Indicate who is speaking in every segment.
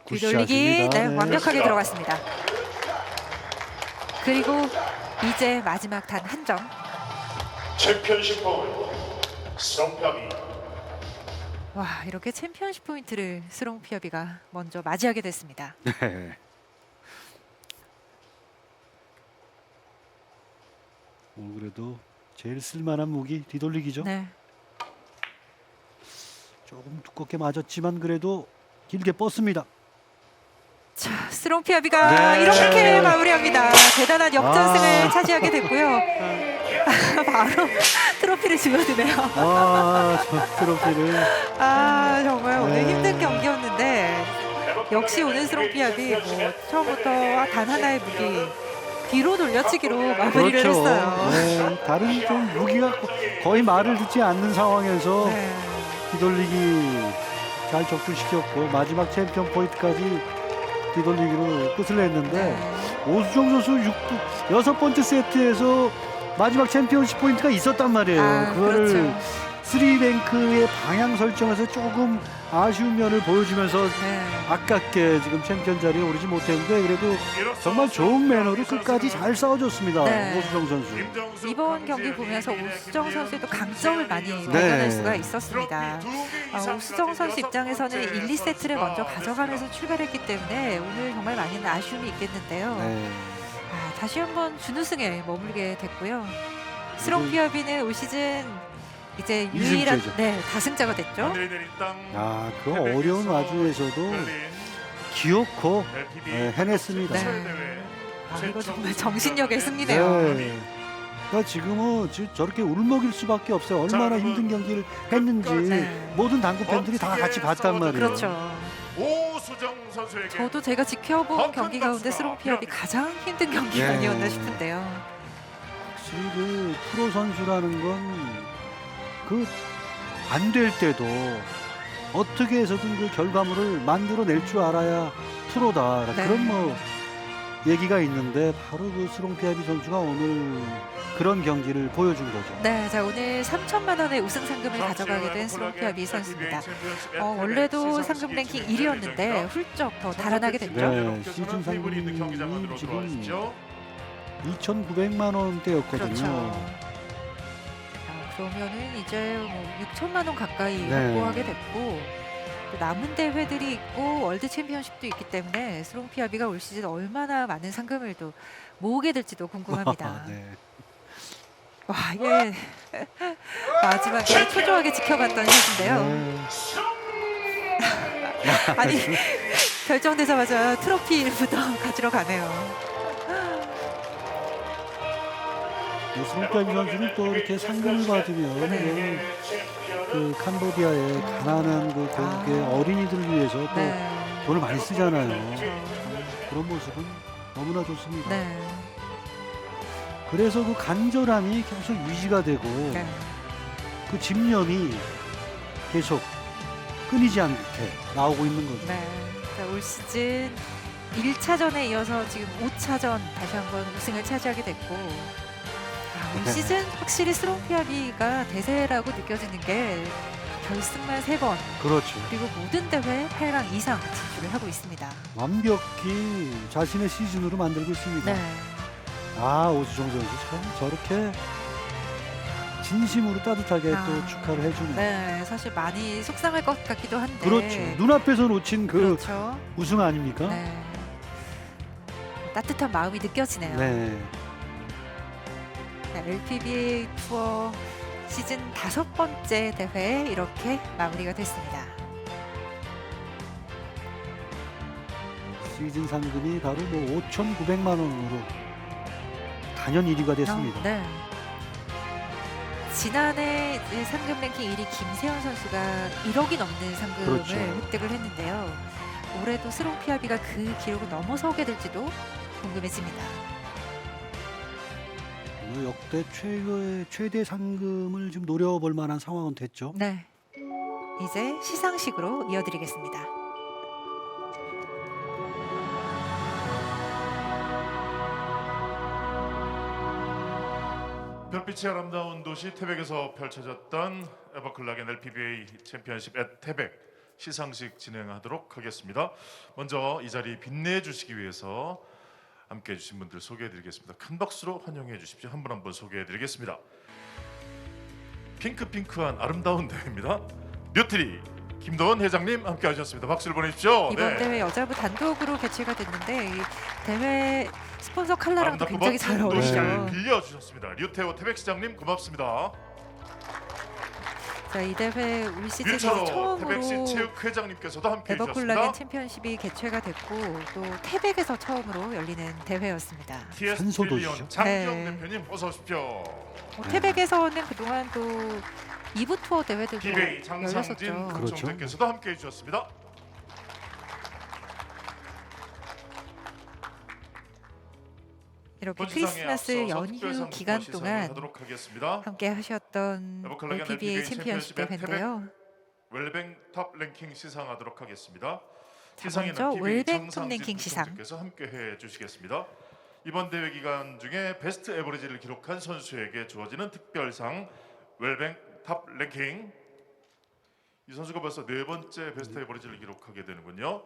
Speaker 1: 뒤돌리기
Speaker 2: 굿샷입니다.
Speaker 1: 네,
Speaker 2: 네.
Speaker 1: 완벽하게 들어갔습니다. 그리고 이제 마지막 단 한 점.
Speaker 3: 챔피언십 포인트 스롱피아비.
Speaker 1: 와, 이렇게 챔피언십 포인트를 스롱피아비가 먼저 맞이하게 됐습니다.
Speaker 2: 네. 그래도 제일 쓸만한 무기 뒤돌리기죠.
Speaker 1: 네.
Speaker 2: 조금 두껍게 맞았지만 그래도 길게 뻗습니다.
Speaker 1: 자, 스롱피아비가
Speaker 2: 네.
Speaker 1: 이렇게 마무리합니다. 대단한 역전승을
Speaker 2: 아.
Speaker 1: 차지하게 됐고요. 바로 트로피를 집어드네요.
Speaker 2: 저 트로피를
Speaker 1: 아, 정말 오늘
Speaker 2: 네.
Speaker 1: 힘든 경기였는데 역시 오늘 스롱피아비 뭐 처음부터 단 하나의 무기 뒤로 돌려치기로 마무리를
Speaker 2: 그렇죠.
Speaker 1: 했어요.
Speaker 2: 네, 다른 좀 무기가 거의 말을 듣지 않는 상황에서
Speaker 1: 네.
Speaker 2: 뒤돌리기 잘 적중시켰고 마지막 챔피언 포인트까지 뒤돌리기로 끝을 냈는데
Speaker 1: 네.
Speaker 2: 오수정 선수 6번째 세트에서 마지막 챔피언십 포인트가 있었단 말이에요.
Speaker 1: 아,
Speaker 2: 그거를
Speaker 1: 그렇죠.
Speaker 2: 3랭크의 방향 설정에서 조금 아쉬운 면을 보여주면서
Speaker 1: 네.
Speaker 2: 아깝게 지금 챔피언 자리에 오르지 못했는데 그래도 정말 좋은 매너로 끝까지 잘 싸워줬습니다.
Speaker 1: 네.
Speaker 2: 오수정 선수.
Speaker 1: 이번 경기 보면서 오수정 선수의 또 강점을 많이
Speaker 2: 네.
Speaker 1: 발견할 수가 있었습니다. 오수정 선수 입장에서는 1, 2세트를 먼저 가져가면서 출발했기 때문에 오늘 정말 많은 아쉬움이 있겠는데요.
Speaker 2: 네.
Speaker 1: 다시 한번 준우승에 머물게 됐고요. 스롱피아비는 올 시즌 이제 유일한
Speaker 2: 이승째죠.
Speaker 1: 다승자가 됐죠.
Speaker 2: 그 어려운 와중에서도 기어코 해냈습니다.
Speaker 1: 네. 이거 정말 정신력의 승리네요.
Speaker 2: 네. 그러니까 지금은 저렇게 울먹일 수밖에 없어요. 얼마나 힘든 경기를 했는지
Speaker 1: 네.
Speaker 2: 모든 당구 팬들이 다 같이 봤단 말이에요.
Speaker 1: 그렇죠.
Speaker 3: 오수정 선수에게
Speaker 1: 저도 제가 지켜본 경기 가운데 스롱피아비 가장 힘든 경기가
Speaker 2: 네.
Speaker 1: 아니었나 싶은데요.
Speaker 2: 확실히 그 프로 선수라는 건 그 안 될 때도 어떻게 해서든 그 결과물을 만들어낼 줄 알아야 프로다.
Speaker 1: 네.
Speaker 2: 그런 뭐 얘기가 있는데 바로 그 스롱피아비 선수가 오늘 그런 경기를 보여준 거죠.
Speaker 1: 네, 자 오늘 3천만 원의 우승 상금을 가져가게 된 스롱피아비 선수입니다. 원래도 상금 랭킹 1위였는데 훌쩍 더 달아나게 됐죠.
Speaker 2: 네, 시즌 상금이 지금 2,900만 원대였거든요.
Speaker 1: 그렇죠. 그러면은 이제 뭐 6천만 원 가까이
Speaker 2: 네.
Speaker 1: 확보하게 됐고 또 남은 대회들이 있고 월드 챔피언십도 있기 때문에 스롱피아비가 올 시즌 얼마나 많은 상금을 또 모으게 될지도 궁금합니다.
Speaker 2: 네.
Speaker 1: 와, 이게 마지막에 초조하게 지켜봤던 샷인데요.
Speaker 2: 네.
Speaker 1: 아니 결정되자마자 트로피부터 가지러 가네요.
Speaker 2: 스롱피아비 선수는 또 이렇게 상금을 받으면
Speaker 1: 네.
Speaker 2: 그 캄보디아의 가난한 그 고국의 어린이들을 위해서 또
Speaker 1: 네.
Speaker 2: 돈을 많이 쓰잖아요.
Speaker 1: 그렇죠.
Speaker 2: 그런 모습은 너무나 좋습니다.
Speaker 1: 네.
Speaker 2: 그래서 그 간절함이 계속 유지가 되고
Speaker 1: 네.
Speaker 2: 그 집념이 계속 끊이지 않게 나오고 있는 거죠.
Speaker 1: 네. 자, 올 시즌 1차전에 이어서 지금 5차전 다시 한번 우승을 차지하게 됐고 올 시즌 확실히 스롱피아비가 대세라고 느껴지는 게 결승만 3번
Speaker 2: 그렇죠.
Speaker 1: 그리고 모든 대회 8강 이상 진출을 하고 있습니다.
Speaker 2: 완벽히 자신의 시즌으로 만들고 있습니다.
Speaker 1: 네.
Speaker 2: 오수정 선수 참 저렇게 진심으로 따뜻하게 또 축하를 해주네요.
Speaker 1: 네, 사실 많이 속상할 것 같기도 한데.
Speaker 2: 그렇죠. 눈앞에서 놓친 그
Speaker 1: 그렇죠.
Speaker 2: 우승 아닙니까?
Speaker 1: 네. 따뜻한 마음이 느껴지네요.
Speaker 2: 네.
Speaker 1: LPBA 투어 시즌 5번째 대회 이렇게 마무리가 됐습니다.
Speaker 2: 시즌 상금이 바로 뭐 5,900만 원으로 단연 1위가 됐습니다.
Speaker 1: 네. 지난해 이제 상금 랭킹 1위 김세현 선수가 1억이 넘는 상금을
Speaker 2: 그렇죠.
Speaker 1: 획득을 했는데요. 올해도 스롱피아비가 그 기록을 넘어서게 될지도 궁금해집니다.
Speaker 2: 역대 최대 상금을 좀 노려볼 만한 상황은 됐죠.
Speaker 1: 네. 이제 시상식으로 이어드리겠습니다.
Speaker 3: 별빛이 아름다운 도시 태백에서 펼쳐졌던 에버클락의 LPBA 챔피언십 앳 태백 시상식 진행하도록 하겠습니다. 먼저 이 자리 빛내주시기 위해서 함께해 주신 분들 소개해드리겠습니다. 큰 박수로 환영해 주십시오. 한 분 한 분 소개해드리겠습니다. 핑크핑크한 아름다운 대회입니다. 뮤트리 김도원 회장님 함께하셨습니다. 박수를 보내십시오.
Speaker 1: 이번
Speaker 3: 네.
Speaker 1: 대회 여자부 단독으로 개최가 됐는데 이 대회 스폰서 컬러랑도
Speaker 3: 아름답고
Speaker 1: 굉장히 잘
Speaker 3: 멋진 도시를
Speaker 1: 어울리죠.
Speaker 3: 빌려주셨습니다. 류태호 태백시장님 고맙습니다.
Speaker 1: 자, 이 대회 올 시즌
Speaker 3: 뮤처로 태백시
Speaker 1: 처음으로
Speaker 3: 체육회장님께서도 함께해
Speaker 1: 에버콜라겐
Speaker 3: 주셨습니다.
Speaker 1: 챔피언십이 개최가 됐고 또 태백에서 처음으로 열리는 대회였습니다.
Speaker 3: TS
Speaker 2: 산소도시죠.
Speaker 3: 트릴리언 장기영
Speaker 1: 네.
Speaker 3: 대표님 어서 오십시오.
Speaker 1: 태백에서는 그동안 또 2부 투어 대회들도
Speaker 3: 기베이 장상진
Speaker 1: 열렸었죠.
Speaker 2: 그렇죠.
Speaker 3: 국정대께서도 함께해 주셨습니다.
Speaker 1: 이렇게
Speaker 3: 본시상에
Speaker 1: 크리스마스
Speaker 3: 앞서서
Speaker 1: 연휴
Speaker 3: 특별상
Speaker 1: 기간
Speaker 3: 시상을
Speaker 1: 동안
Speaker 3: 하도록 하겠습니다.
Speaker 1: 함께 하셨던
Speaker 3: 에버콜라겐
Speaker 1: LPBA
Speaker 3: LPBA
Speaker 1: 챔피언십
Speaker 3: 챔피언십의
Speaker 1: 대회인데요.
Speaker 3: 웰뱅 탑 랭킹 시상하도록 하겠습니다.
Speaker 1: 자,
Speaker 3: 시상에는
Speaker 1: 먼저
Speaker 3: PBA
Speaker 1: 웰뱅 톱
Speaker 3: 장상진
Speaker 1: 랭킹 시상.
Speaker 3: 국정대께서 함께해 주시겠습니다. 이번 대회 기간 중에 베스트 에버리지를 기록한 선수에게 주어지는 특별상 웰뱅 탑 랭킹. 이 선수가 벌써 네 번째 베스트 에버리지를 기록하게 되는군요.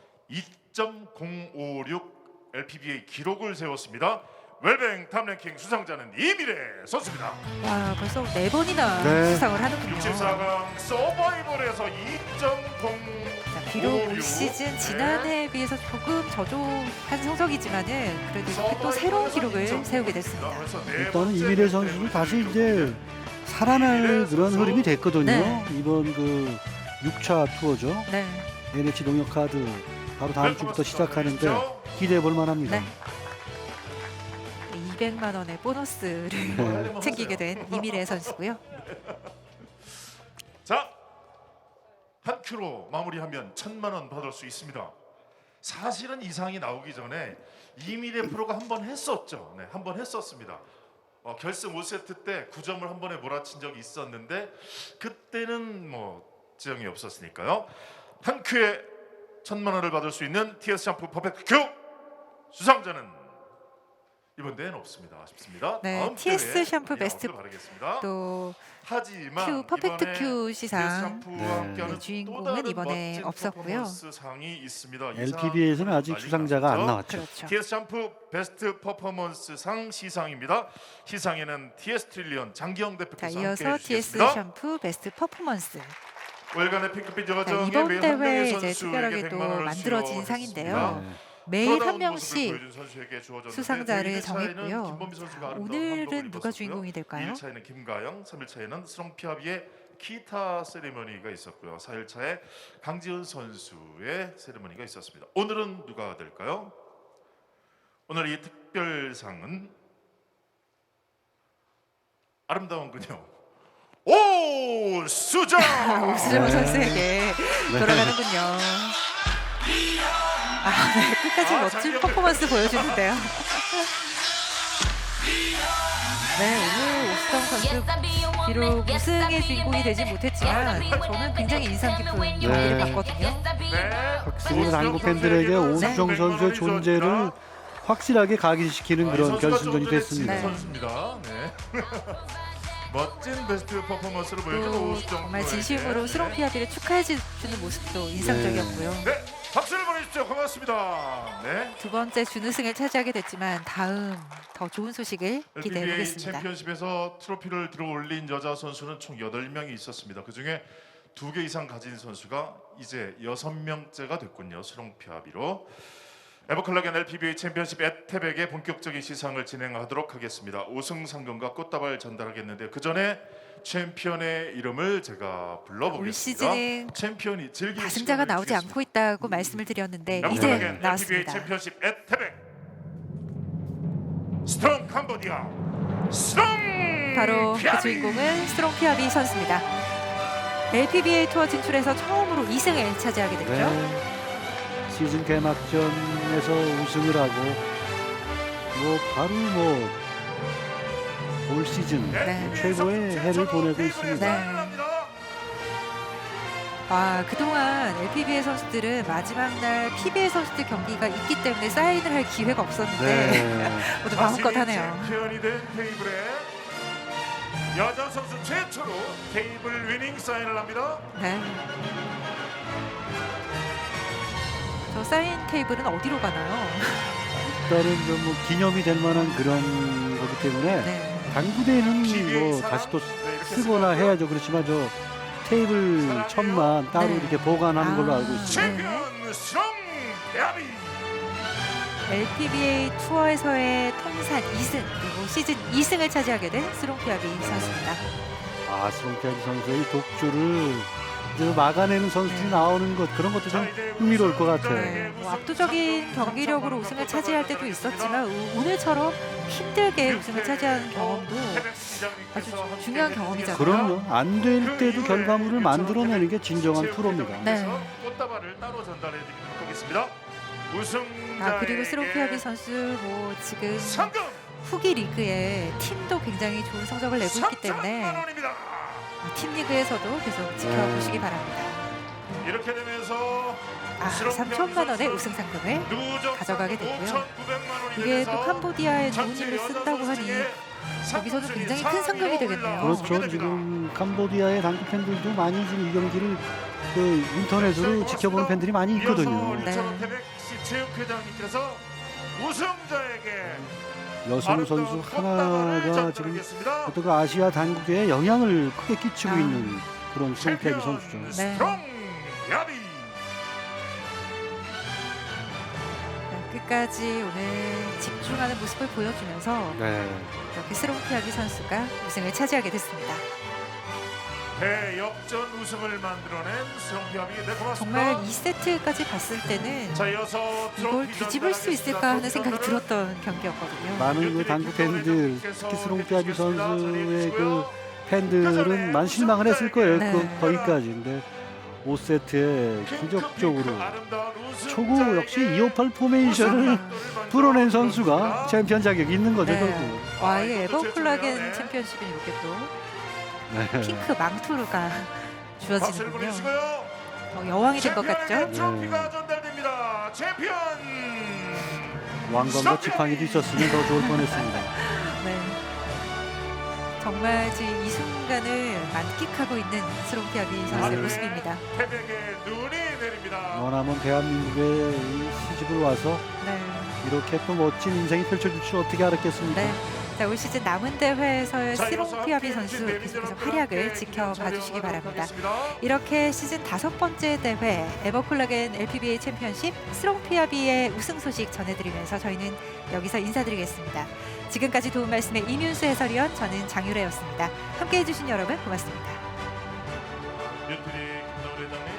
Speaker 3: 2.056 LPBA 기록을 세웠습니다. 웰뱅 탑 랭킹 수상자는 이미래 선수입니다.
Speaker 1: 와, 벌써 4번이나
Speaker 2: 네.
Speaker 1: 수상을 하는군요.
Speaker 3: 64강 서바이벌에서 2.0
Speaker 1: 자, 비록 올 시즌 지난해에 비해서 조금 저조한 성적이지만은 그래도 이렇게 또 새로운 기록을 세우게 됐습니다.
Speaker 2: 일단은 이미래 선수도 다시 이제 살아날 그런 흐름이 됐거든요.
Speaker 1: 네.
Speaker 2: 이번 그 6차 투어죠.
Speaker 1: 네,
Speaker 2: NH 농협카드 바로 다음 주부터 시작하는데 기대해 볼 만합니다.
Speaker 1: 네. 200만 원의 보너스를 챙기게 된 이미래 선수고요.
Speaker 3: 자, 한 큐로 마무리하면 1,000만 원 받을 수 있습니다. 사실은 이상이 나오기 전에 이미래 프로가 한 번 했었죠. 네, 한 번 했었습니다. 결승 5세트 때 9점을 한 번에 몰아친 적이 있었는데 그때는 뭐 지정이 없었으니까요. 한 큐에 1,000만 원을 받을 수 있는 TS 샴푸 퍼펙트 큐 수상자는 이번 대회는 없습니다. 아쉽습니다.
Speaker 1: 네,
Speaker 3: 다음
Speaker 1: TS
Speaker 3: 대회에
Speaker 1: 샴푸 베스트
Speaker 3: 나오길 바라겠습니다.
Speaker 1: 또
Speaker 3: 하지만
Speaker 1: 큐 퍼펙트
Speaker 3: 이번에
Speaker 1: 큐
Speaker 3: TS
Speaker 1: 시상
Speaker 3: 샴푸와
Speaker 2: 네.
Speaker 3: 함께하는
Speaker 1: 주인공은
Speaker 3: 또 다른
Speaker 1: 이번에
Speaker 3: 멋진
Speaker 1: 없었고요.
Speaker 3: 퍼포먼스 상이 있습니다. 이
Speaker 2: LPBA에서는
Speaker 3: 상은
Speaker 2: 아직
Speaker 3: 난리
Speaker 2: 수상자가 안
Speaker 3: 났죠.
Speaker 2: 나왔죠.
Speaker 1: 그렇죠.
Speaker 3: TS 샴푸 베스트 퍼포먼스 상 시상입니다. 시상에는 TS 트릴리언 장기영
Speaker 1: 자,
Speaker 3: 대표께서
Speaker 1: 이어서
Speaker 3: 함께해
Speaker 1: TS
Speaker 3: 주시겠습니다.
Speaker 1: 샴푸 베스트 퍼포먼스.
Speaker 3: 월간의 핑크빛
Speaker 1: 자,
Speaker 3: 여정의
Speaker 1: 이번
Speaker 3: 매한
Speaker 1: 대회
Speaker 3: 명의
Speaker 1: 이제
Speaker 3: 선수에게
Speaker 1: 특별하게 또
Speaker 3: 100만 원을
Speaker 1: 만들어진
Speaker 3: 수여했습니다.
Speaker 1: 상인데요.
Speaker 2: 네.
Speaker 1: 매일 한
Speaker 3: 프로다운 모습을
Speaker 1: 명씩
Speaker 3: 보여준 선수에게 주어졌는데
Speaker 1: 수상자를
Speaker 3: 대회 1차에는
Speaker 1: 정했고요.
Speaker 3: 김범비 선수가 아름다운
Speaker 1: 오늘은
Speaker 3: 한복을
Speaker 1: 누가
Speaker 3: 입었었고요.
Speaker 1: 주인공이 될까요?
Speaker 3: 2일차에는 김가영, 3일차에는 스롱피아비의 기타 세리머니가 있었고요. 4일차에 강지은 선수의 세리머니가 있었습니다. 오늘은 누가 될까요? 오늘 이 특별상은 아름다운 그녀 오수정!
Speaker 1: 오수정
Speaker 2: 네.
Speaker 1: 선수에게 돌아가는군요. 아, 네, 끝까지 멋진
Speaker 3: 장기영
Speaker 1: 퍼포먼스 보여주는데요. 네, 오늘 오수정 선수 비록 우승의 주인공이 되지 못했지만 저는 굉장히 인상 깊은 경기를 봤거든요.
Speaker 3: 네.
Speaker 2: 확실히 한국 팬들에게 오수정 선수의 존재를 확실하게 각인시키는 그런 결승전이 됐습니다.
Speaker 1: 네.
Speaker 3: 선수입니다. 네. 멋진 베스트 퍼포먼스를 보여준
Speaker 1: 또
Speaker 3: 오수정
Speaker 1: 정말
Speaker 3: 프로에게.
Speaker 1: 진심으로 스롱피아비를 축하해 주는 모습도 인상적이었고요.
Speaker 3: 네, 박수를 보내주십시오. 고맙습니다. 네.
Speaker 1: 두 번째 준우승을 차지하게 됐지만 다음 더 좋은 소식을 기대해
Speaker 3: LPBA
Speaker 1: 보겠습니다.
Speaker 3: 챔피언십에서 트로피를 들어올린 여자 선수는 총 8명이 있었습니다. 그중에 2개 이상 가진 선수가 이제 6명째가 됐군요. 스롱피아비로. 에버콜라겐 LPBA 챔피언십 애태백의 본격적인 시상을 진행하도록 하겠습니다. 5승 상금과 꽃다발 전달하겠는데 그 전에 챔피언의 이름을 제가
Speaker 1: 올
Speaker 3: 불러보겠습니다.
Speaker 1: 시즌은
Speaker 3: 챔피언이 즐길
Speaker 1: 가승자가
Speaker 3: 시간을
Speaker 1: 나오지
Speaker 3: 주겠습니다.
Speaker 1: 않고 있다고 말씀을 드렸는데 이제
Speaker 3: 에버콜라겐 LPBA
Speaker 1: 나왔습니다.
Speaker 3: 챔피언십 애태백 스트롱 캄보디아 스트롱
Speaker 1: 바로 그
Speaker 3: 피아비!
Speaker 1: 주인공은 스트롱피아비 선수입니다. LPBA 투어 진출해서 처음으로 2승을 차지하게 됐죠.
Speaker 2: 네. 시즌 개막전에서 우승을 하고 바로 올 시즌
Speaker 1: 네.
Speaker 2: 최고의 해를 보내고 있습니다.
Speaker 1: 네. 그동안 LPBA 선수들은 마지막 날 PBA 선수들 경기가 있기 때문에 사인을 할 기회가 없었는데
Speaker 2: 네.
Speaker 1: 모두 마음껏 하네요.
Speaker 3: 챔피언이 된 테이블에 여자 선수 최초로 테이블 위닝 사인을 합니다.
Speaker 1: 네. 저 사인 테이블은 어디로 가나요?
Speaker 2: 일단은 좀 뭐 기념이 될 만한 그런 거기 때문에
Speaker 1: 네.
Speaker 2: 당구대는
Speaker 3: TVA
Speaker 2: 뭐
Speaker 3: 사랑?
Speaker 2: 다시 또
Speaker 3: 네, 이렇게
Speaker 2: 쓰거나
Speaker 3: 쓰고요.
Speaker 2: 해야죠. 그렇지만 저 테이블 천만 따로
Speaker 1: 네.
Speaker 2: 이렇게 보관하는 걸로
Speaker 1: 아.
Speaker 2: 알고 있습니다.
Speaker 3: 챔피언 스롱 야비.
Speaker 1: LPBA 투어에서의 통산 2승 그리고 시즌 2승을 차지하게 된 스롱피아비 선수입니다.
Speaker 2: 아, 스롱피아비 선수의 독주를 이제 막아내는 선수들이
Speaker 1: 네.
Speaker 2: 나오는 것 그런 것도 좀 흥미로울 것 같아요.
Speaker 1: 네, 뭐 압도적인 경기력으로 우승을 차지할 때도 있었지만 오늘처럼 힘들게 우승을 차지하는 경험도 아주 중요한 경험이잖아요.
Speaker 2: 그럼요. 안 될 때도 결과물을 만들어내는 게 진정한 프로입니다.
Speaker 1: 네.
Speaker 3: 꽃다발을 따로 전달해 드리도록 하겠습니다. 우승자
Speaker 1: 그리고 스롱피아비 선수 뭐 지금
Speaker 3: 상금
Speaker 1: 후기 리그에 팀도 굉장히 좋은 성적을 내고 있기
Speaker 3: 3천만
Speaker 1: 때문에
Speaker 3: 원입니다.
Speaker 1: 팀 리그에서도 계속 지켜보시기 바랍니다.
Speaker 3: 이렇게 되면서
Speaker 1: 3천만 원의 우승 상금을 가져가게 되고요. 이게 또 캄보디아에 좋은 일로 쓴다고 하니 여기서도 굉장히 큰 상금이 되겠네요.
Speaker 2: 그렇죠. 지금 캄보디아의 당구 팬들도 많이 지금 이 경기를 그 인터넷으로 지켜보는 팬들이 많이 있거든요.
Speaker 1: 네.
Speaker 3: 체육회장님께서 우승자에게
Speaker 2: 여성 선수 하나가 지금 어떤 그 아시아 당국에 영향을 크게 끼치고 있는 그런 스롱피아비 선수죠.
Speaker 1: 네.
Speaker 3: 스트롱 야비.
Speaker 1: 끝까지 오늘 집중하는 모습을 보여주면서
Speaker 2: 네.
Speaker 1: 이렇게 스롱피아비 선수가 우승을 차지하게 됐습니다.
Speaker 3: 대역전 우승을 만들어낸 스롱피아비. 네, 고맙습니다.
Speaker 1: 정말 2세트까지 봤을 때는
Speaker 3: 자, 이어서
Speaker 1: 이걸 뒤집을 수 있을까 하는 생각이 들었던 경기였거든요.
Speaker 2: 많은 그 당구 팬들, 특히 스롱피아비 선수의 그 팬들은 많이 실망을 했을 거예요.
Speaker 1: 네.
Speaker 2: 그 거기까지. 근데 5세트에 기적적으로 초구 역시 258 포메이션을 풀어낸 선수가 챔피언 자격이 있는 거죠.
Speaker 1: 네.
Speaker 2: 결국.
Speaker 1: 와, 이 에버콜라겐 챔피언십이 이렇게 또
Speaker 2: 네.
Speaker 1: 핑크 망토가
Speaker 3: 박수를
Speaker 1: 주어지는군요.
Speaker 3: 보내주시고요.
Speaker 1: 여왕이 된 것 같죠?
Speaker 3: 챔피언에게 트로피가 전달됩니다. 챔피언.
Speaker 2: 왕관과 지팡이도 있었으면 더 좋을 뻔했습니다.
Speaker 1: 네. 정말 지금 이 순간을 만끽하고 있는 스롱피아비 선수의 모습입니다.
Speaker 3: 태백에 눈이 내립니다.
Speaker 2: 원하면 대한민국에 이 시집을 와서
Speaker 1: 네.
Speaker 2: 이렇게 또 멋진 인생이 펼쳐질 줄 어떻게 알았겠습니까?
Speaker 1: 네. 자, 올 시즌 남은 대회에서의
Speaker 3: 자, 이어서
Speaker 1: 스롱피아비
Speaker 3: 함께해
Speaker 1: 선수
Speaker 3: 주실
Speaker 1: 계속해서
Speaker 3: 내빈
Speaker 1: 활약을
Speaker 3: 여러분들께
Speaker 1: 지켜봐
Speaker 3: 촬영하도록
Speaker 1: 주시기 바랍니다.
Speaker 3: 하겠습니다.
Speaker 1: 이렇게 시즌 5번째 대회 에버콜라겐 LPBA 챔피언십 스롱피아비의 우승 소식 전해드리면서 저희는 여기서 인사드리겠습니다. 지금까지 도움 말씀의 이윤수 해설위원, 저는 장유래였습니다. 함께해 주신 여러분 고맙습니다.
Speaker 3: 윤필이 김나우 회장님.